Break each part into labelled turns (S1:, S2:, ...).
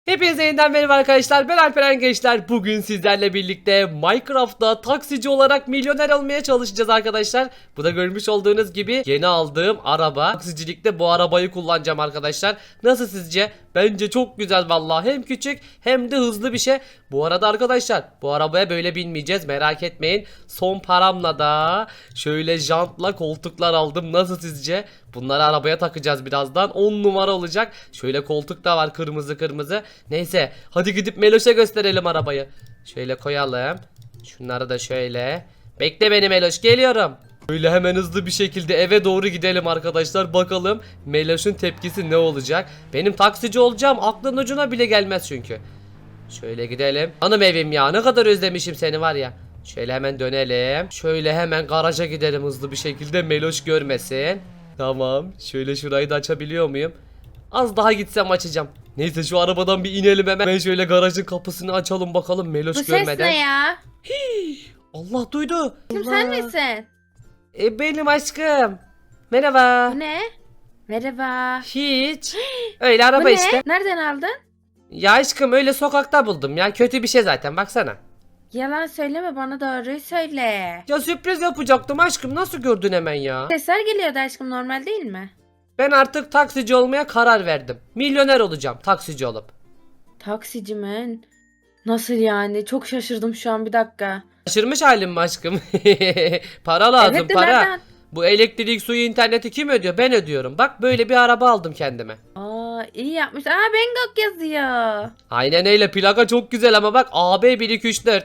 S1: Hepinize yeniden merhaba arkadaşlar, ben Alperen Gençler. Bugün sizlerle birlikte Minecraft'ta taksici olarak milyoner olmaya çalışacağız arkadaşlar. Bu da görmüş olduğunuz gibi yeni aldığım araba. Taksicilikte bu arabayı kullanacağım arkadaşlar. Nasıl sizce? Bence çok güzel vallahi, hem küçük hem de hızlı bir şey. Bu arada arkadaşlar, bu arabaya böyle binmeyeceğiz, merak etmeyin. Son paramla da şöyle jantla koltuklar aldım. Nasıl sizce? Bunları arabaya takacağız birazdan. 10 numara olacak. Şöyle koltuk da var, kırmızı kırmızı. Neyse, hadi gidip Meloş'a gösterelim arabayı. Şöyle koyalım. Şunları da şöyle. Bekle beni Meloş, geliyorum. Böyle hemen hızlı bir şekilde eve doğru gidelim arkadaşlar. Bakalım Meloş'un tepkisi ne olacak. Benim taksici olacağım aklın ucuna bile gelmez çünkü. Şöyle gidelim. Hanım evim ya, ne kadar özlemişim seni var ya. Şöyle hemen dönelim. Şöyle hemen garaja gidelim hızlı bir şekilde, Meloş görmesin. Tamam. Şöyle şurayı da açabiliyor muyum? Az daha gitsem açacağım. Neyse, şu arabadan bir inelim hemen. Ben şöyle garajın kapısını açalım bakalım Meloş
S2: Bu
S1: görmeden.
S2: ses ne ya?
S1: Allah duydu.
S2: Kim,
S1: Allah.
S2: sen misin?
S1: Benim aşkım. Merhaba.
S2: Bu ne? Merhaba.
S1: Hiç. Öyle araba
S2: Bu ne?
S1: işte.
S2: Nereden aldın?
S1: Ya aşkım, öyle sokakta buldum ya. Kötü bir şey zaten, baksana.
S2: Yalan söyleme, bana doğruyu söyle.
S1: Ya sürpriz yapacaktım aşkım. Nasıl gördün hemen ya?
S2: Sesler geliyordu aşkım, normal değil mi?
S1: Ben artık taksici olmaya karar verdim. Milyoner olacağım taksici olup.
S2: Taksici mi? Nasıl yani? Çok şaşırdım şu an, bir dakika.
S1: Şaşırmış halim mi aşkım? Para lazım,
S2: Evet de
S1: para.
S2: nereden?
S1: Bu elektrik, suyu, interneti kim ödüyor? Ben ödüyorum. Bak, böyle bir araba aldım kendime.
S2: Aa, iyi yapmış. Aa, Bangkok yazıyor.
S1: Aynen öyle, plaka çok güzel ama bak, AB 1 2 3 4.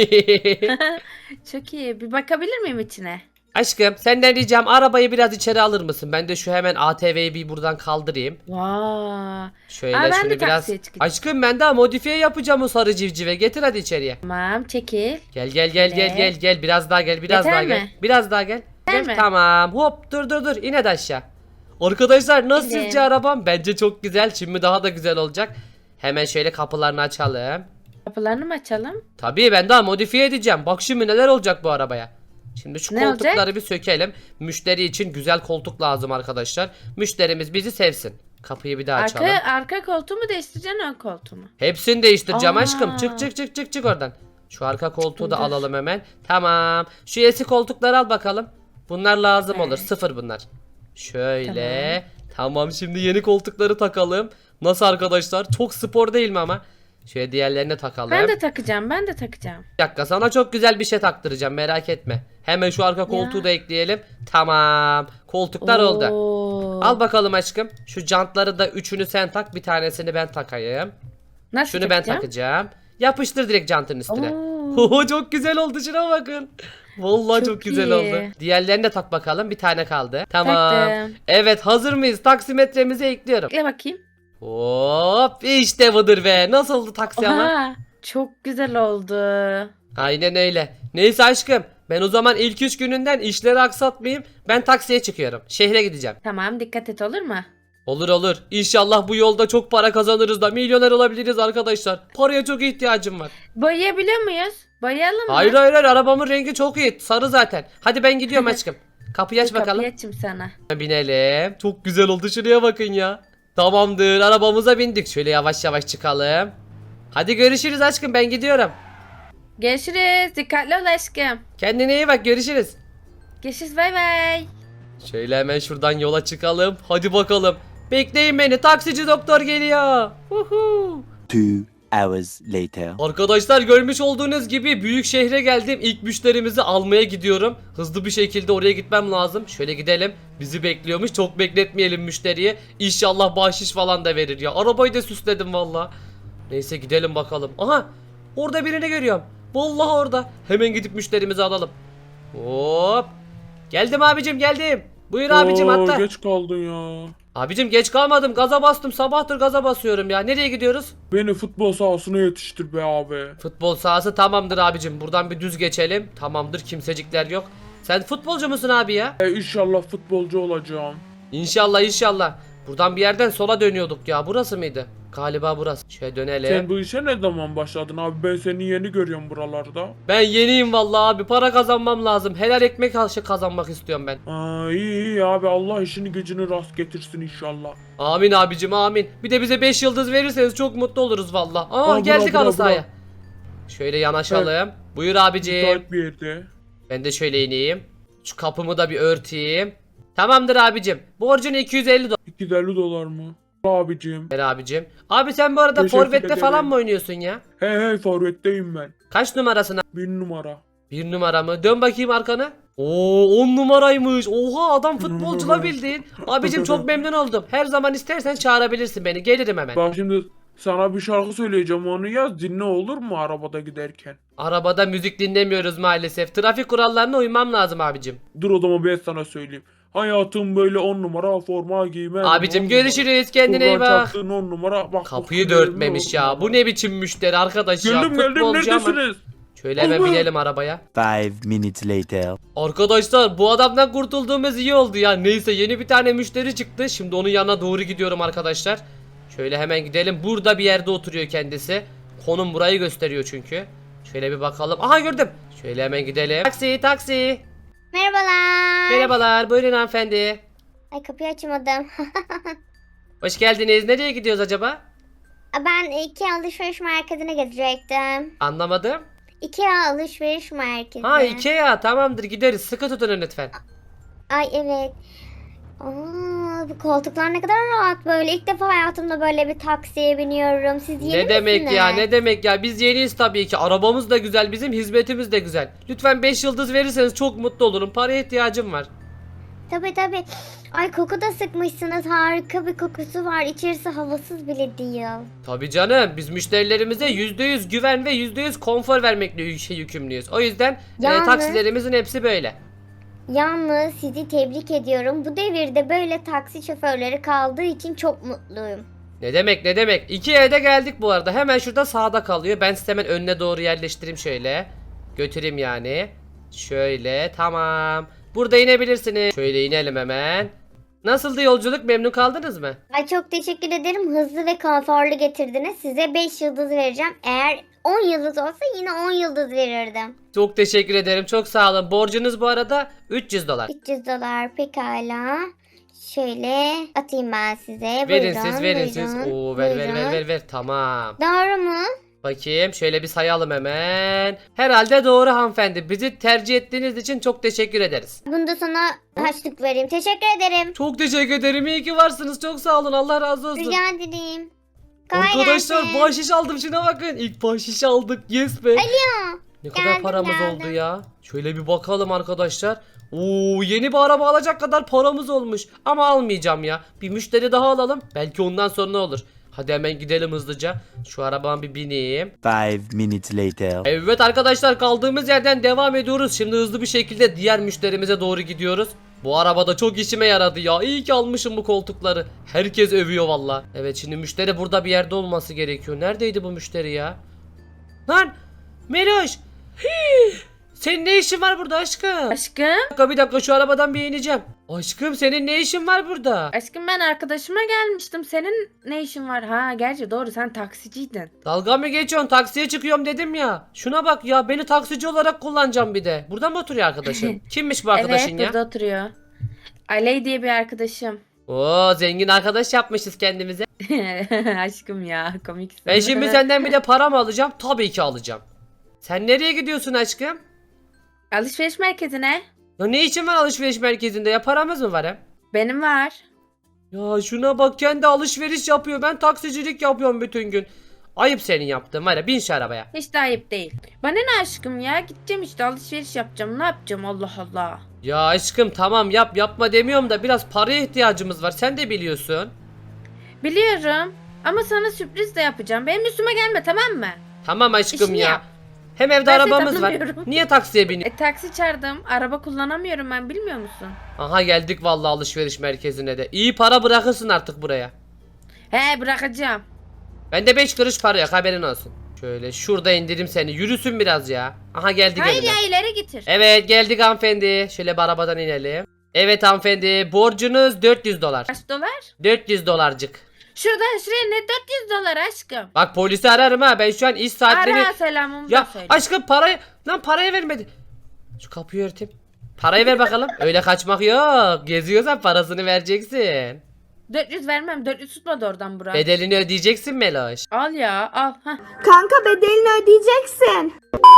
S2: Çok iyi. Bir bakabilir miyim içine?
S1: Aşkım, senden ricam, arabayı biraz içeri alır mısın? Ben de şu hemen ATV'yi bir buradan kaldırayım.
S2: Vay.
S1: Şöyle
S2: Aa, ben
S1: şunu
S2: de
S1: biraz.
S2: taksiye çıkacağım.
S1: Aşkım, ben daha modifiye yapacağım o sarı civcive. Getir hadi içeriye.
S2: Tamam, çekil.
S1: Gel gel gel gel gel gel, biraz daha gel, biraz
S2: Yeter
S1: daha gel.
S2: mi?
S1: Biraz daha gel.
S2: Yeter
S1: Dur,
S2: mi?
S1: tamam. Hop, dur in hadi aşağı. Arkadaşlar, nasıl
S2: Evet.
S1: sizce arabam? Bence çok güzel. Şimdi daha da güzel olacak. Hemen şöyle kapılarını açalım.
S2: Kapılarını mı açalım?
S1: Tabii, ben daha modifiye edeceğim. Bak şimdi neler olacak bu arabaya. Şimdi şu
S2: Ne
S1: koltukları
S2: olacak?
S1: bir sökelim. Müşteri için güzel koltuk lazım arkadaşlar. Müşterimiz bizi sevsin. Kapıyı bir daha açalım.
S2: Arka koltuğu mu değiştireceksin, ön koltuğu mu?
S1: Hepsini değiştireceğim
S2: Aa.
S1: aşkım. Çık oradan. Şu arka koltuğu da
S2: Dur.
S1: alalım hemen. Tamam. Şu eski koltukları al bakalım. Bunlar lazım
S2: Evet.
S1: olur. Sıfır bunlar. Şöyle. Tamam, şimdi yeni koltukları takalım. Nasıl arkadaşlar? Çok spor değil mi ama? Şöyle diğerlerini takalım.
S2: Ben de takacağım, ben de takacağım.
S1: Bir dakika, sana çok güzel bir şey taktıracağım, merak etme. Hemen şu arka koltuğu
S2: Ya.
S1: da ekleyelim. Tamam. Koltuklar oldu.
S2: Oo.
S1: Al bakalım aşkım. Şu jantları da üçünü sen tak. Bir tanesini ben takayım.
S2: Nasıl
S1: Şunu ben
S2: takacağım?
S1: takacağım. Yapıştır direkt jantın üstüne.
S2: Oo.
S1: Oho, çok güzel oldu, şuna bakın. Vallahi çok
S2: Çok
S1: güzel
S2: iyi.
S1: oldu. Diğerlerini de tak bakalım. Bir tane kaldı. Tamam.
S2: Taktım.
S1: Evet, hazır mıyız? Taksimetremizi ekliyorum.
S2: Bekle bakayım.
S1: Hop, işte budur be. Nasıl oldu taksi ama?
S2: Oha, çok güzel oldu.
S1: Aynen öyle. Neyse aşkım, ben o zaman ilk 3 gününden işleri aksatmayayım. Ben taksiye çıkıyorum. Şehre gideceğim.
S2: Tamam, dikkat et, olur mu?
S1: Olur. İnşallah bu yolda çok para kazanırız da milyoner olabiliriz arkadaşlar. Paraya çok ihtiyacım var.
S2: Boyayabiliyor muyuz? Boyayalım mı?
S1: Hayır, arabamın rengi çok iyi. Sarı zaten. Hadi ben gidiyorum aşkım. Kapıyı aç
S2: Dur,
S1: bakalım.
S2: kapıyı açayım sana.
S1: Binelim. Çok güzel oldu, şuraya bakın ya. Tamamdır, arabamıza bindik. Şöyle yavaş yavaş çıkalım. Hadi görüşürüz aşkım, ben gidiyorum.
S2: Görüşürüz. Dikkatli ol aşkım.
S1: Kendine iyi bak, görüşürüz.
S2: Görüşürüz, bay bay.
S1: Şöyle hemen şuradan yola çıkalım. Hadi bakalım. Bekleyin beni, taksici doktor geliyor. Huhu.
S3: 2 hours later.
S1: Arkadaşlar, görmüş olduğunuz gibi büyük şehre geldim. İlk müşterimizi almaya gidiyorum. Hızlı bir şekilde oraya gitmem lazım. Şöyle gidelim. Bizi bekliyormuş. Çok bekletmeyelim müşteriyi. İnşallah bahşiş falan da verir ya. Arabayı da süsledim valla. Neyse, gidelim bakalım. Aha, orada birini görüyorum. Vallahi orada. Hemen gidip müşterimizi alalım. Hop. Geldim abicim, geldim. Buyur abicim, hatta.
S4: Geç kaldın ya.
S1: Abicim, geç kalmadım. Gaza bastım. Sabahtır gaza basıyorum ya. Nereye gidiyoruz?
S4: Beni futbol sahasına yetiştir be abi.
S1: Futbol sahası, tamamdır abicim. Buradan bir düz geçelim. Tamamdır, kimsecikler yok. Sen futbolcu musun abi ya?
S4: İnşallah futbolcu olacağım.
S1: İnşallah. Buradan bir yerden sola dönüyorduk ya. Burası mıydı? Galiba burası. Şöyle dönelim.
S4: Sen bu işe ne zaman başladın abi? Ben seni yeni görüyorum buralarda.
S1: Ben yeniyim vallahi abi. Para kazanmam lazım. Helal ekmek kazanmak istiyorum ben.
S4: Aa, iyi abi, Allah işini gücünü rast getirsin inşallah.
S1: Amin abicim amin. Bir de bize 5 yıldız verirseniz çok mutlu oluruz valla. Aa
S4: Aa,
S1: geldik
S4: bura,
S1: halı
S4: bura,
S1: sahaya. Şöyle yanaşalım. Buyur abicim.
S4: Müsait bir yerde.
S1: Ben de şöyle ineyim. Şu kapımı da bir örteyim. Tamamdır abicim. Borcun 250 dolar
S4: 250 dolar mı? Abicim.
S1: abicim. Abi sen bu arada
S4: Teşekkür
S1: forvette falan
S4: ederim.
S1: mı oynuyorsun ya?
S4: Hey forvetteyim ben.
S1: Kaç numarasına?
S4: 1 numara.
S1: 1 numara mı? Dön bakayım arkana. Oo 10 numaraymış. Oha adam futbolcu la bildiğin. Abicim çok memnun oldum. Her zaman istersen çağırabilirsin beni. Gelirim hemen.
S4: Bak şimdi sana bir şarkı söyleyeceğim, onu yaz dinle, olur mu arabada giderken?
S1: Arabada müzik dinlemiyoruz maalesef. Trafik kurallarına uymam lazım abicim.
S4: Dur o zaman ben sana söyleyeyim. Hayatım böyle 10 numara forma giymem.
S1: Abicim
S4: 10 numara.
S1: görüşürüz. Kendine iyi
S4: Buradan
S1: bak.
S4: çaktığın 10 numara. Bak,
S1: Kapıyı
S4: bak,
S1: da örtmemiş
S4: on
S1: ya.
S4: numara.
S1: Bu ne biçim müşteri arkadaş ya.
S4: Geldim
S1: Futbolcu ama.
S4: neredesiniz?
S1: Şöyle hemen
S4: Allah.
S1: binelim arabaya.
S3: 5 minutes later.
S1: Arkadaşlar bu adamdan kurtulduğumuz iyi oldu ya. Neyse yeni bir tane müşteri çıktı. Şimdi onun yanına doğru gidiyorum arkadaşlar. Şöyle hemen gidelim. Burada bir yerde oturuyor kendisi. Konum burayı gösteriyor çünkü. Şöyle bir bakalım. Aha gördüm. Şöyle hemen gidelim. Taksi taksi.
S5: Merhabalar.
S1: Merhabalar buyurun hanımefendi.
S5: Ay kapıyı açamadım.
S1: Hoş geldiniz. Nereye gidiyoruz acaba?
S5: Ben IKEA alışveriş merkezine gidecektim.
S1: Anlamadım.
S5: IKEA alışveriş merkezi.
S1: Ha Ikea tamamdır gideriz. Sıkı tutun lütfen.
S5: Ay evet. Aa, bu koltuklar ne kadar rahat böyle. İlk defa hayatımda böyle bir taksiye biniyorum. Siz yeni
S1: Ne demek
S5: misiniz?
S1: ya ne demek ya biz yeniyiz tabii ki, arabamız da güzel, bizim hizmetimiz de güzel. Lütfen 5 yıldız verirseniz çok mutlu olurum, paraya ihtiyacım var.
S5: Tabii tabii. Ay koku da sıkmışsınız. Harika bir kokusu var. İçerisi havasız bile değil.
S1: Tabii canım biz müşterilerimize %100 güven ve %100 konfor vermekle yükümlüyüz. O yüzden
S5: Yalnız-
S1: taksilerimizin hepsi böyle.
S5: Yalnız sizi tebrik ediyorum. Bu devirde böyle taksi şoförleri kaldığı için çok mutluyum.
S1: Ne demek ne demek. Ikea'ya da geldik bu arada, hemen şurada sağda kalıyor. Ben size hemen önüne doğru yerleştireyim şöyle. Götüreyim yani. Şöyle tamam. Burada inebilirsiniz. Şöyle inelim hemen. Nasıldı yolculuk, memnun kaldınız mı?
S5: Ay çok teşekkür ederim. Hızlı ve konforlu getirdiniz. Size 5 yıldız vereceğim. Eğer 10 yıldız olsa yine 10 yıldız verirdim.
S1: Çok teşekkür ederim, çok sağ olun. Borcunuz bu arada 300 dolar.
S5: 300 dolar pekala. Şöyle atayım ben size.
S1: Verin
S5: Buyurun,
S1: siz verin siz.
S5: buyurun,
S1: Oo ver ver ver
S5: buyurun.
S1: ver ver tamam.
S5: Doğru mu?
S1: Bakayım şöyle bir sayalım hemen. Herhalde doğru hanımefendi. Bizi tercih ettiğiniz için çok teşekkür ederiz.
S5: Bunda sana harçlık vereyim. Teşekkür ederim.
S1: Çok teşekkür ederim. İyi ki varsınız. Çok sağ olun. Allah razı olsun.
S5: Rica ederim. Kolay
S1: Arkadaşlar
S5: gelsin.
S1: bahşiş aldım. Şuna bakın. İlk bahşiş aldık. Yes be. Ne kadar
S5: Geldim,
S1: paramız
S5: geldim.
S1: oldu ya. Şöyle bir bakalım arkadaşlar. Oo yeni bir araba alacak kadar paramız olmuş. Ama almayacağım ya. Bir müşteri daha alalım. Belki ondan sonra olur. Hadi hemen gidelim hızlıca. Şu arabama bir bineyim.
S3: 5 minutes later.
S1: Evet arkadaşlar kaldığımız yerden devam ediyoruz. Şimdi hızlı bir şekilde diğer müşterimize doğru gidiyoruz. Bu arabada çok işime yaradı ya. İyi ki almışım bu koltukları. Herkes övüyor valla. Evet şimdi müşteri burada bir yerde olması gerekiyor. Neredeydi bu müşteri ya? Lan Meloş. Hii! Senin ne işin var burada aşkım?
S2: Aşkım.
S1: Bir dakika şu arabadan bir ineceğim. Aşkım senin ne işin var burada?
S2: Aşkım ben arkadaşıma gelmiştim. Senin ne işin var? Ha gerçi doğru sen taksiciydin.
S1: Dalga mı geçiyorsun? Taksiye çıkıyorum dedim ya. Şuna bak ya, beni taksici olarak kullanacağım bir de. Burada mı oturuyor arkadaşın? Kimmiş bu arkadaşın
S2: Evet
S1: ya?
S2: burada oturuyor. Aley diye bir arkadaşım.
S1: Oo zengin arkadaş yapmışız kendimize.
S2: Aşkım ya komiksin.
S1: Ben şimdi senden bir de para mı alacağım? Tabii ki alacağım. Sen nereye gidiyorsun aşkım?
S2: Alışveriş merkezine.
S1: Ya ne için var alışveriş merkezinde ya, paramız mı var hem?
S2: Benim var.
S1: Ya şuna bak, kendi alışveriş yapıyor, ben taksicilik yapıyorum bütün gün. Ayıp senin yaptığın var ya, bin şu arabaya.
S2: Hiç de ayıp değil. Bana ne aşkım ya? Gideceğim işte alışveriş yapacağım. Ne yapacağım Allah Allah.
S1: Ya aşkım tamam yap, yapma demiyorum da biraz paraya ihtiyacımız var, sen de biliyorsun.
S2: Biliyorum. Ama sana sürpriz de yapacağım. Benim üstüme gelme tamam mı?
S1: Tamam aşkım
S2: İşini
S1: ya.
S2: yap.
S1: Hem evde
S2: Ben seni
S1: arabamız var.
S2: tanımıyorum.
S1: Niye taksiye biniyorsun?
S2: Taksi çağırdım. Araba kullanamıyorum ben bilmiyor musun?
S1: Aha geldik vallahi alışveriş merkezine de. İyi para bırakırsın artık buraya.
S2: He bırakacağım.
S1: Bende 5 kuruş para yok, haberin olsun. Şöyle şurada indirim seni, yürüsün biraz ya. Aha geldik
S2: Hayır
S1: evine.
S2: ya ileri getir.
S1: Evet geldik hanımefendi. Şöyle bir arabadan inelim. Evet hanımefendi, borcunuz 400 dolar.
S2: Kaç dolar?
S1: 400 dolarcık.
S2: Şuradan şuraya ne 400 dolar aşkım?
S1: Bak polisi ararım ha, ben şu an iş saatleri...
S2: Ara selamımı
S1: Ya
S2: da söyle.
S1: aşkım parayı vermedi. Şu kapıyı örteyim. Parayı ver bakalım. Öyle kaçmak yok. Geziyorsan parasını vereceksin.
S2: 400 vermem. 400 tutmadı oradan Burak.
S1: Bedelini ödeyeceksin Meloş.
S2: Al ya al. Heh.
S6: Kanka bedelini ödeyeceksin.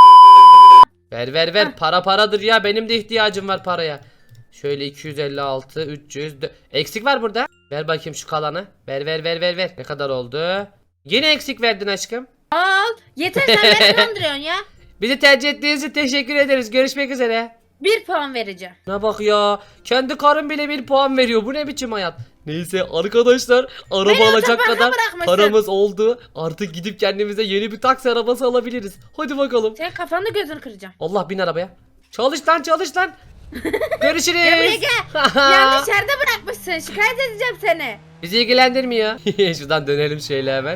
S1: Ver. Para paradır ya. Benim de ihtiyacım var paraya. Şöyle 256, 300. Eksik var burada. Ver bakayım şu kalanı. Ver. Ne kadar oldu? Yine eksik verdin aşkım.
S2: Al. Yeter sen beni kandırıyorsun ya.
S1: Bizi tercih ettiğiniz için teşekkür ederiz. Görüşmek üzere.
S2: 1 puan vereceğim.
S1: Ne bak ya. Kendi karım bile 1 puan veriyor. Bu ne biçim hayat? Neyse arkadaşlar, araba
S2: Beni
S1: alacak
S2: otoparka
S1: kadar
S2: bırakmışsın.
S1: paramız oldu. Artık gidip kendimize yeni bir taksi arabası alabiliriz. Hadi bakalım.
S2: Senin kafanı gözünü kıracağım.
S1: Allah, bin arabaya. Çalış lan. Görüşürüz.
S2: Gel buraya gel. Yanlış yerde bırakmışsın. Şikayet edeceğim seni.
S1: Bizi ilgilendirmiyor. Şuradan dönelim şöyle hemen.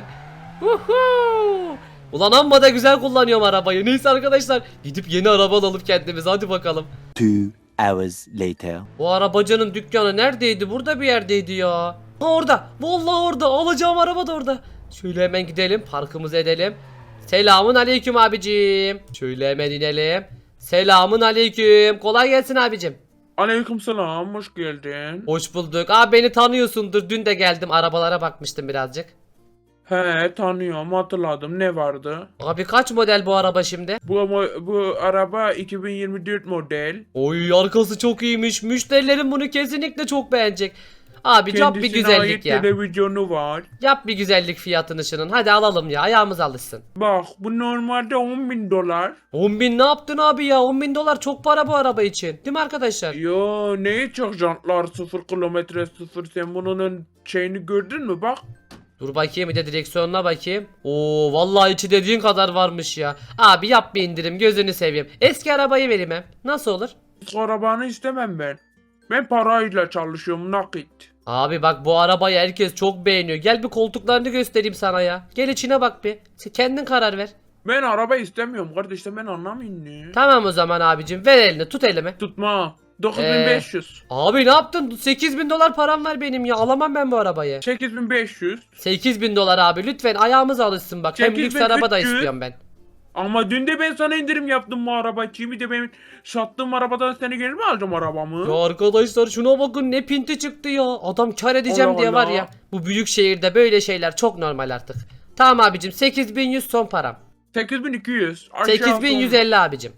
S1: Huhu. Ulan amma da güzel kullanıyorum arabayı. Neyse arkadaşlar, gidip yeni araba alalım kendimize. Hadi bakalım.
S3: 2 hours later.
S1: Bu arabacının dükkanı neredeydi? Burada bir yerdeydi ya. Ha, orada. Vallahi orada. Alacağım araba da orada. Şöyle hemen gidelim. Parkımızı edelim. Selamun aleyküm abicim. Şöyle hemen inelim. Selamun aleyküm. Kolay gelsin abicim.
S4: Aleykümselam, hoş geldin.
S1: Hoş bulduk. Abi beni tanıyorsundur. Dün de geldim. Arabalara bakmıştım birazcık.
S4: He, tanıyorum, hatırladım. Ne vardı?
S1: Abi kaç model bu araba şimdi?
S4: Bu araba 2024 model.
S1: Oy, arkası çok iyiymiş. Müşterilerim bunu kesinlikle çok beğenecek. Abi yap bir
S4: Kendisine
S1: güzellik
S4: ait
S1: ya.
S4: televizyonu var.
S1: Yap bir güzellik fiyatını şunun. Hadi alalım ya. Ayağımız alışsın.
S4: Bak, bu normalde 10.000 dolar.
S1: 10.000 ne yaptın abi ya? 10.000 dolar çok para bu araba için. Değil mi arkadaşlar?
S4: Yo, neye çok jantlar 0 kilometre 0, sen bunun şeyini gördün mü bak.
S1: Dur bakayım, bir de direksiyonuna bakayım. Oo, vallahi içi dediğin kadar varmış ya. Abi yap bir indirim, gözünü seveyim. Eski arabayı vereyim hem. Nasıl olur?
S4: Eski arabanı istemem ben. Ben parayla çalışıyorum, nakit.
S1: Abi bak, bu arabayı herkes çok beğeniyor. Gel bir koltuklarını göstereyim sana ya. Gel içine bak bir. Sen kendin karar ver.
S4: Ben araba istemiyorum kardeşim, ben anlamayın ne.
S1: Tamam o zaman abicim, ver elini, tut elimi.
S4: Tutma. 9500.
S1: Abi ne yaptın? 8.000 dolar param var benim ya. Alamam ben bu arabayı.
S4: 8500.
S1: 8.000 dolar abi, lütfen ayağımız alışsın bak. Hem lüks
S4: 8.300.
S1: araba da istiyorum ben.
S4: Ama dün de ben sana indirim yaptım bu araba için. Bir de benim sattığım arabadan seni geri mi alacağım arabamı?
S1: Ya arkadaşlar şuna bakın, ne pinti çıktı ya. Adam kar edeceğim
S4: Allah
S1: diye var
S4: Allah.
S1: ya. Bu büyük şehirde böyle şeyler çok normal artık. Tamam abicim, 8.100 son param.
S4: 8200.
S1: 8.150 abicim.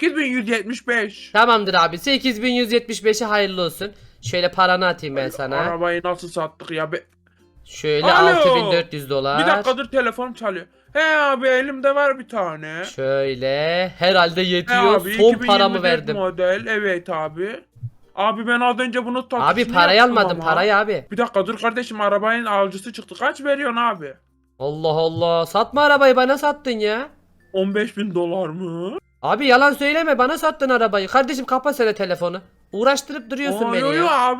S4: 8175.
S1: Tamamdır abi, 8.175'e hayırlı olsun. Şöyle paranı atayım ben sana.
S4: Arabayı nasıl sattık ya?
S1: Şöyle
S4: Alo.
S1: 6.400 dolar.
S4: Bir dakikadır telefon çalıyor. He abi, elimde var bir tane.
S1: Şöyle herhalde
S4: He
S1: yetiyor.
S4: abi,
S1: Son
S4: 2024
S1: paramı verdim.
S4: model. Evet abi. Abi ben az önce bunu
S1: Abi
S4: taksisini
S1: parayı
S4: yaptım
S1: almadım,
S4: ama.
S1: parayı abi.
S4: Bir dakika dur kardeşim, arabanın alıcısı çıktı. Kaç veriyorsun abi?
S1: Allah Allah, satma arabayı, bana sattın ya.
S4: 15.000 dolar mı?
S1: Abi yalan söyleme, bana sattın arabayı. Kardeşim kapa sen telefonu. Uğraştırıp duruyorsun
S4: Aa,
S1: beni
S4: yo, yo,
S1: ya.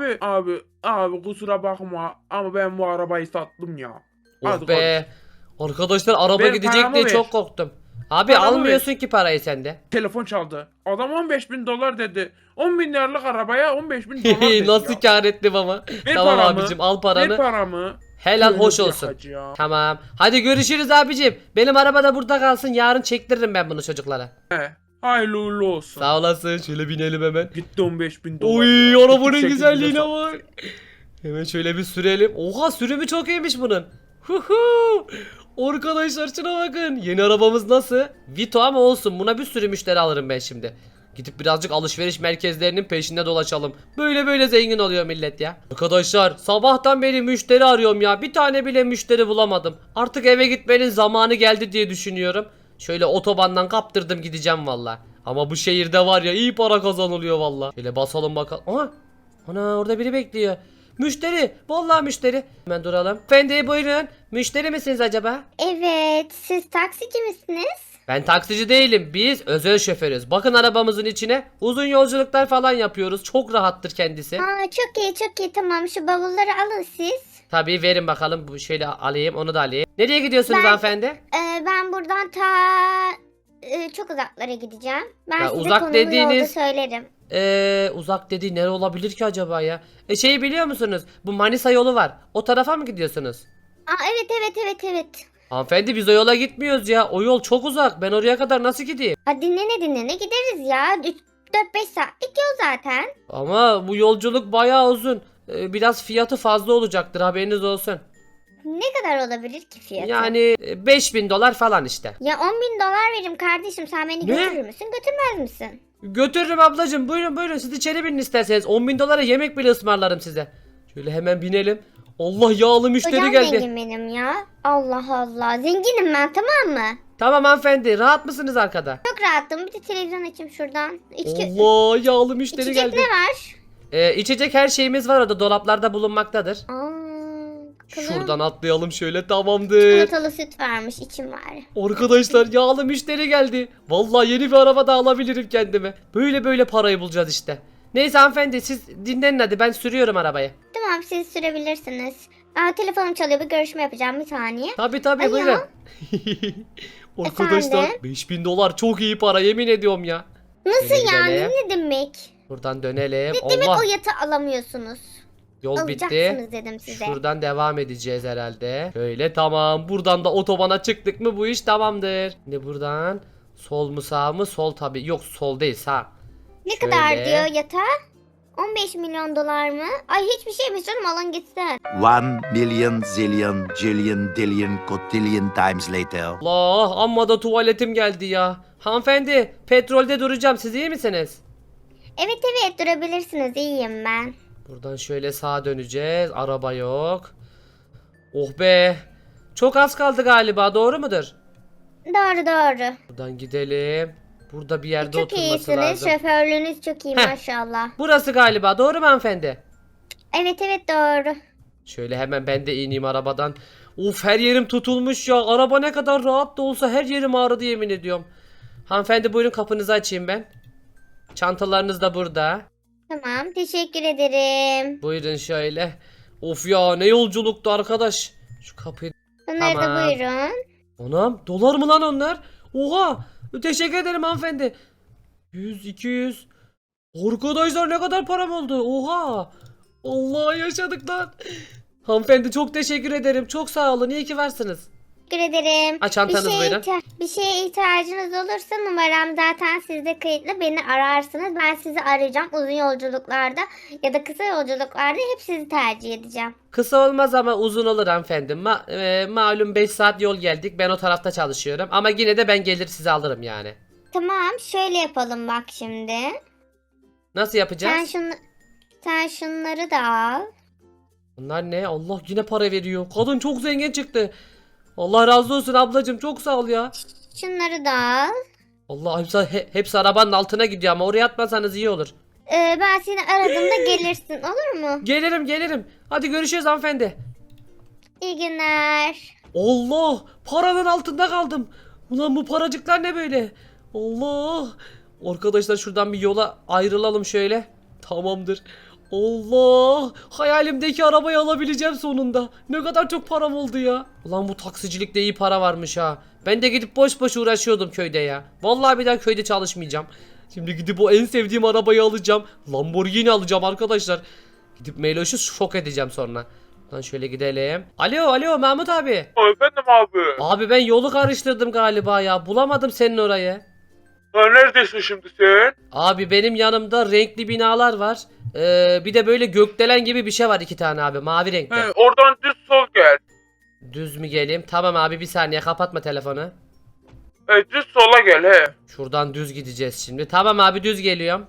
S4: abi kusura bakma ama ben bu arabayı sattım ya.
S1: Oh
S4: Hadi
S1: be. Arkadaşlar araba
S4: Ver,
S1: gidecek
S4: paramı
S1: diye
S4: ver.
S1: çok korktum. Abi
S4: Paramı
S1: almıyorsun ki parayı sende.
S4: Telefon çaldı. Adam 15.000 dolar dedi. 10.000 liralık arabaya 15.000 dolar dedi
S1: Nasıl
S4: ya.
S1: kar ettim ama.
S4: Ver
S1: Tamam
S4: paramı.
S1: abicim, al
S4: Ver
S1: paranı.
S4: paramı.
S1: Helal
S4: Öyle
S1: hoş
S4: bir
S1: olsun.
S4: hacı ya.
S1: Tamam. Hadi görüşürüz abicim. Benim araba da burada kalsın. Yarın çektiririm ben bunu çocuklara.
S4: He. Hayırlı uğurlu olsun.
S1: Sağ olasın. Şöyle binelim hemen.
S4: Gitti 15.000 dolar.
S1: Oy,
S4: ya.
S1: arabanın
S4: 8.000
S1: güzelliğine
S4: sat-
S1: bak. Hemen şöyle bir sürelim. Oha, sürümü çok iyiymiş bunun. Huhu. Arkadaşlar şuna bakın. Yeni arabamız nasıl? Vito ama olsun. Buna bir sürü müşteri alırım ben şimdi. Gidip birazcık alışveriş merkezlerinin peşinde dolaşalım. Böyle zengin oluyor millet ya. Arkadaşlar sabahtan beri müşteri arıyorum ya. Bir tane bile müşteri bulamadım. Artık eve gitmenin zamanı geldi diye düşünüyorum. Şöyle otobandan kaptırdım, gideceğim valla. Ama bu şehirde var ya, iyi para kazanılıyor valla. Şöyle basalım bakalım. Aha. Ana, orada biri bekliyor. Müşteri. Vallahi müşteri. Hemen duralım. Efendi buyurun. Müşteri misiniz acaba?
S5: Evet, siz taksici misiniz?
S1: Ben taksici değilim. Biz özel şoförüz. Bakın arabamızın içine. Uzun yolculuklar falan yapıyoruz. Çok rahattır kendisi.
S5: Aa, çok iyi tamam, şu bavulları alın siz.
S1: Tabii, verin bakalım. Bu şöyle alayım, onu da alayım. Nereye gidiyorsunuz
S5: Ben-
S1: hanımefendi?
S5: Ben buradan çok uzaklara gideceğim. Ben
S1: Ya
S5: size
S1: uzak
S5: konumu
S1: dediğiniz-
S5: yolda söylerim.
S1: Uzak dediği nere olabilir ki acaba ya? Şeyi biliyor musunuz? Bu Manisa yolu var. O tarafa mı gidiyorsunuz?
S5: Aa, evet.
S1: Hanımefendi biz o yola gitmiyoruz ya. O yol çok uzak. Ben oraya kadar nasıl gideyim?
S5: Ha, dinlene gideriz ya. 4-5 saatlik yol zaten.
S1: Ama bu yolculuk bayağı uzun. Biraz fiyatı fazla olacaktır, haberiniz olsun.
S5: Ne kadar olabilir ki fiyatı?
S1: Yani 5000 dolar falan işte.
S5: Ya 10.000 dolar veririm kardeşim, sen beni
S1: Ne?
S5: götürür müsün götürmez misin?
S1: Götürürüm ablacığım, buyurun siz içeri binin isterseniz. 10.000 dolara yemek bile ısmarlarım size. Şöyle hemen binelim. Allah, yağlı müşteri
S5: Kocam
S1: geldi.
S5: zengin benim ya. Allah Allah, zenginim ben, tamam mı?
S1: Tamam hanımefendi, rahat mısınız arkada?
S5: Çok rahatım, bir de televizyon açayım şuradan.
S1: Allah, yağlı müşteri
S5: İçecek
S1: geldi.
S5: ne var?
S1: İçecek her şeyimiz var orada, dolaplarda bulunmaktadır.
S5: Kızım,
S1: Şuradan atlayalım şöyle, tamamdır.
S5: çikolatalı süt varmış, içim var.
S1: Arkadaşlar yağlı müşteri geldi. Vallahi yeni bir araba da alabilirim kendime. Böyle parayı bulacağız işte. Neyse hanımefendi, siz dinlenin hadi, ben sürüyorum arabayı.
S5: Tamam, siz sürebilirsiniz. Telefonum çalıyor, bir görüşme yapacağım, bir saniye.
S1: Tabii
S5: Alo.
S1: buyurun. Arkadaşlar
S5: Efendim?
S1: 5000 dolar çok iyi para, yemin ediyorum ya.
S5: Nasıl
S1: Şöyle
S5: yani,
S1: gidelim.
S5: ne demek?
S1: Buradan dönelim.
S5: Ne demek
S1: Allah,
S5: o yatı alamıyorsunuz?
S1: yol bitti.
S5: Alacaksınız dedim size.
S1: Şuradan devam edeceğiz herhalde. Böyle tamam. Buradan da otobana çıktık mı bu iş tamamdır. Şimdi buradan sol mu sağ mı? Sol tabii. Yok, sol değil, sağ.
S5: Ne
S1: Şöyle.
S5: kadar diyor yata? 15 milyon dolar mı? Ay hiçbir şeymiş canım, alın gitsin.
S3: 1 million zillion jillion dillion cotillion times later.
S1: Allah, amma da tuvaletim geldi ya. Hanımefendi, petrolde duracağım, siz iyi misiniz?
S5: Evet durabilirsiniz, iyiyim ben.
S1: Buradan şöyle sağa döneceğiz. Araba yok. Oh be. Çok az kaldı galiba, doğru mudur?
S5: Doğru.
S1: Buradan gidelim. Burada bir yerde
S5: Çok
S1: oturması
S5: iyisiniz,
S1: lazım.
S5: şoförlüğünüz çok iyi
S1: Heh.
S5: maşallah.
S1: Burası galiba, doğru mu hanımefendi?
S5: Evet doğru.
S1: Şöyle hemen ben de ineyim arabadan. Uf, her yerim tutulmuş ya. Araba ne kadar rahat da olsa her yerim ağrıdı, yemin ediyorum. Hanımefendi buyurun, kapınızı açayım ben. Çantalarınız da burada.
S5: Tamam, teşekkür ederim.
S1: Buyurun şöyle. Of ya, ne yolculuktu arkadaş. Şu kapıyı...
S5: Bunları
S1: Tamam.
S5: da buyurun.
S1: Anam, dolar mı lan onlar? Oha, teşekkür ederim hanımefendi. 100, 200. Arkadaşlar ne kadar param oldu? Oha. Allah, yaşadık lan. Hanımefendi çok teşekkür ederim. Çok sağ olun. İyi ki varsınız.
S5: Teşekkür ederim.
S1: Ha, çantanız buyurun.
S5: Bir şeye ihtiyacınız olursa numaram zaten sizde kayıtlı, beni ararsınız. Ben sizi arayacağım uzun yolculuklarda ya da kısa yolculuklarda, hep sizi tercih edeceğim.
S1: Kısa olmaz ama uzun olur hanımefendi. Malum 5 saat yol geldik. Ben o tarafta çalışıyorum. Ama yine de ben gelir sizi alırım yani.
S5: Tamam, şöyle yapalım bak şimdi.
S1: Nasıl yapacağız?
S5: Sen şunları da al.
S1: Bunlar ne? Allah, yine para veriyor. Kadın çok zengin çıktı. Allah razı olsun ablacığım. Çok sağ ol ya.
S5: Şunları da al.
S1: Allah, hepsi arabanın altına gidiyor ama oraya atmasanız iyi olur.
S5: Ben seni aradığımda gelirsin, olur mu?
S1: Gelirim. Hadi görüşürüz hanımefendi.
S5: İyi günler.
S1: Allah, paranın altında kaldım. Ulan bu paracıklar ne böyle? Allah. Arkadaşlar şuradan bir yola ayrılalım şöyle. Tamamdır. Allah, hayalimdeki arabayı alabileceğim sonunda. Ne kadar çok param oldu ya. Ulan bu taksicilikte iyi para varmış ha. Ben de gidip boş uğraşıyordum köyde ya. Vallahi bir daha köyde çalışmayacağım. Şimdi gidip o en sevdiğim arabayı alacağım. Lamborghini alacağım arkadaşlar. Gidip Meloş'u şok edeceğim sonra. Lan şöyle gidelim. Alo Mahmut abi.
S4: Efendim abi.
S1: Abi ben yolu karıştırdım galiba ya. Bulamadım senin orayı.
S4: Neredesin şimdi sen?
S1: Abi benim yanımda renkli binalar var. Bir de böyle gökdelen gibi bir şey var, 2 tane abi, mavi renkte.
S4: Oradan düz sol gel.
S1: Düz mü geleyim? Tamam abi, bir saniye, kapatma telefonu.
S4: Düz sola gel he.
S1: Şuradan düz gideceğiz şimdi. Tamam abi, düz geliyorum.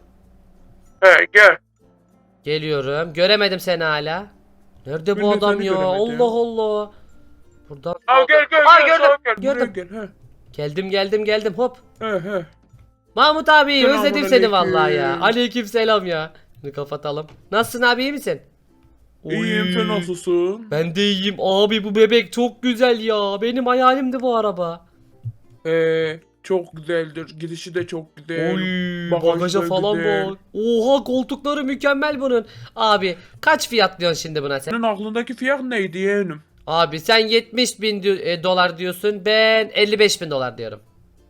S4: Gel.
S1: Geliyorum. Göremedim seni hala. Nerede
S4: Ben
S1: bu
S4: de
S1: adam
S4: seni
S1: ya?
S4: göremedim.
S1: Allah Allah. Buradan.
S4: Gel
S1: Ay, gördüm,
S4: sağa gel.
S1: gördüm.
S4: Buraya gel
S1: Geldim hop.
S4: he.
S1: Mahmut abi,
S4: Selamun
S1: özledim seni
S4: aleyküm.
S1: vallahi ya. Aleyküm selam ya. Bunu kapatalım. Nasılsın abi, iyi misin?
S4: İyiyim,
S1: Oy.
S4: sen nasılsın?
S1: Ben de iyiyim abi, bu bebek çok güzel ya. Benim hayalimdi bu araba.
S4: Çok güzeldir. Gidişi de çok güzel.
S1: Oy,
S4: Bagajı
S1: bagaja
S4: da
S1: falan
S4: güzel.
S1: bak. Oha, koltukları mükemmel bunun. Abi kaç fiyat diyorsun şimdi buna sen?
S4: Senin aklındaki fiyat neydi yeğenim?
S1: Abi sen 70 bin dolar diyorsun, ben 55 bin dolar diyorum.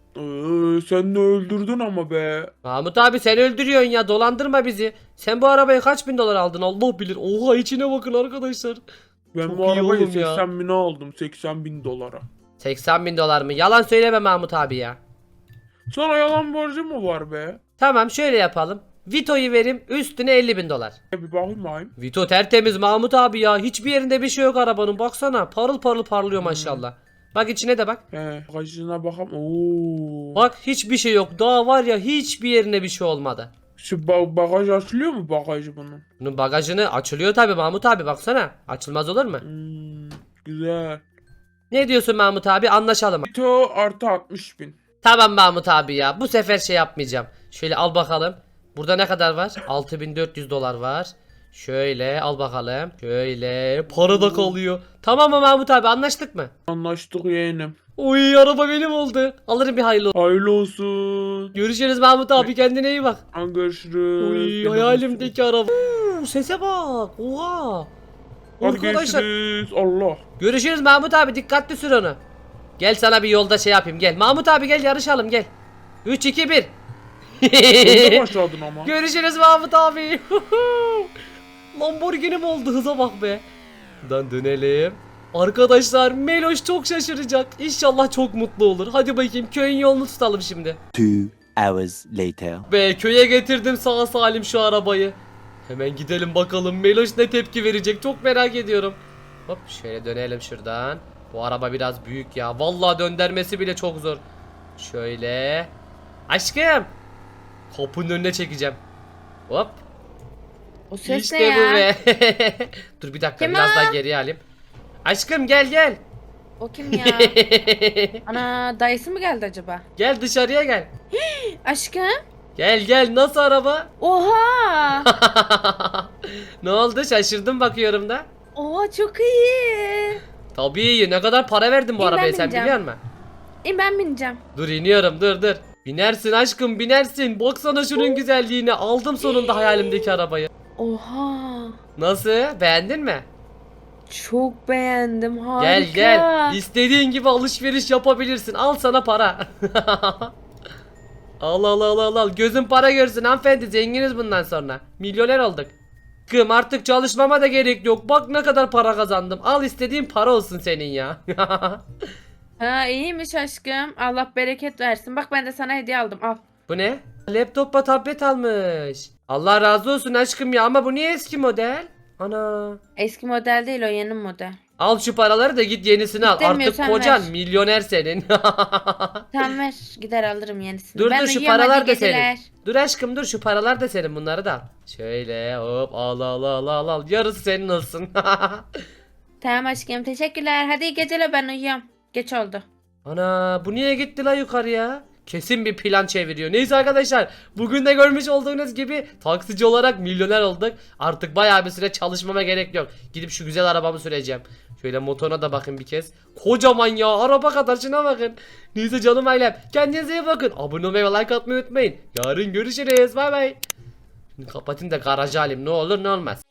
S4: Sen de öldürdün ama be.
S1: Mahmut abi sen öldürüyorsun ya, dolandırma bizi. Sen bu arabayı kaç bin dolar aldın Allah bilir. Oha içine bakın arkadaşlar.
S4: Ben
S1: Çok
S4: bu
S1: iyi
S4: arabayı
S1: oğlum ya.
S4: 80 bine aldım. 80 bin dolara.
S1: 80 bin dolar mı? Yalan söyleme Mahmut abi ya.
S4: Sana yalan borcu mu var be?
S1: Tamam şöyle yapalım. Vito'yu verim, üstüne 50 bin dolar.
S4: Bir bakayım.
S1: Vito tertemiz Mahmut abi ya. Hiçbir yerinde bir şey yok arabanın. Baksana parıl parıl parlıyor maşallah. Bak içine de bak.
S4: Bagajına bakalım. Oo.
S1: Bak hiçbir şey yok. Daha var ya, hiçbir yerine bir şey olmadı.
S4: Şu bagaj açılıyor mu bagajı bunun?
S1: Bunun bagajını açılıyor tabi Mahmut abi, baksana. Açılmaz olur mu?
S4: Güzel.
S1: Ne diyorsun Mahmut abi, anlaşalım.
S4: Vito artı 60 bin.
S1: Tamam Mahmut abi ya, bu sefer şey yapmayacağım. Şöyle al bakalım. Burada ne kadar var? 6400 dolar var. Şöyle al bakalım. Şöyle para da kalıyor. Tamam mı Mahmut abi, anlaştık mı?
S4: Anlaştık yeğenim.
S1: Oy araba benim oldu. Alırım bir hayırlı olsun.
S4: Hayırlı olsun.
S1: Görüşürüz Mahmut abi, kendine iyi bak.
S4: Görüşürüz.
S1: Oy
S4: Benim
S1: hayalimdeki araba. Sese bak. Oha.
S4: Hadi
S1: Arkadaşlar.
S4: görüşürüz. Allah.
S1: Görüşürüz Mahmut abi, dikkatli sür onu. Gel sana bir yolda şey yapayım, gel. Mahmut abi gel yarışalım, gel. 3 2 1.
S4: Önde başladın ama.
S1: Görüşürüz Mahmut abi. Lamborghini mi oldu, hıza bak be. Buradan dönelim. Arkadaşlar Meloş çok şaşıracak. İnşallah çok mutlu olur. Hadi bakayım köyün yolunu tutalım şimdi.
S3: 2 hours later.
S1: Be köye getirdim sağ salim şu arabayı. Hemen gidelim bakalım Meloş ne tepki verecek, çok merak ediyorum. Hop şöyle dönelim şuradan. Bu araba biraz büyük ya. Vallahi döndürmesi bile çok zor. Şöyle. Aşkım. Kapının önüne çekeceğim. Hop.
S2: O ses ne
S1: İşte
S2: ya?
S1: bu be. Dur bir dakika,
S2: Kim
S1: biraz
S2: o?
S1: daha geriye alayım. Aşkım gel gel.
S2: O kim ya? Ana dayısı mı geldi acaba?
S1: Gel dışarıya gel.
S2: Aşkım?
S1: Gel gel, nasıl araba?
S2: Oha!
S1: Ne oldu, şaşırdım bakıyorum da.
S2: Oha çok iyi.
S1: Tabii iyi, ne kadar para verdin bu
S2: İyi, ben
S1: arabaya sen
S2: bineceğim.
S1: biliyor musun?
S2: Ben bineceğim.
S1: Dur iniyorum, dur. Binersin aşkım, binersin. Baksana şunun güzelliğine. Aldım sonunda hayalimdeki arabayı.
S2: Oha!
S1: Nasıl, beğendin mi?
S2: Çok beğendim, harika.
S1: Gel İstediğin gibi alışveriş yapabilirsin. Al sana para. Al. Gözün para görsün hanımefendi, zenginiz bundan sonra. Milyoner olduk. Kım artık çalışmama da gerek yok. Bak ne kadar para kazandım. Al istediğin para olsun senin ya.
S2: Ha iyiymiş aşkım. Allah bereket versin. Bak ben de sana hediye aldım. Al.
S1: Bu ne? Laptopla tablet almış. Allah razı olsun aşkım ya, ama bu niye eski model? Ana.
S2: Eski model değil, o yeni model.
S1: Al şu paraları da git yenisini al. Artık
S2: İstemiyorsan
S1: kocan
S2: ver.
S1: milyoner senin.
S2: Tamam ver. Gider alırım yenisini.
S1: Dur
S2: Ben
S1: şu
S2: uyuyorum,
S1: paralar
S2: hadi
S1: da
S2: geceler.
S1: senin. Dur aşkım dur, şu paralar da senin, bunları da al. Şöyle hop al. Yarısı senin olsun.
S2: Tamam aşkım, teşekkürler. Hadi iyi geceler, ben uyuyorum. Geç oldu.
S1: Ana bu niye gitti la yukarıya? Kesin bir plan çeviriyor. Neyse arkadaşlar, bugün de görmüş olduğunuz gibi taksici olarak milyoner olduk. Artık bayağı bir süre çalışmama gerek yok. Gidip şu güzel arabamı süreceğim. Şöyle motoruna da bakın bir kez. Kocaman ya, araba kadar, şuna bakın. Neyse canım ailem, kendinize iyi bakın. Abone olmayı ve like atmayı unutmayın. Yarın görüşürüz, bay bay. Şimdi kapatayım da garajı alayım, ne olur ne olmaz.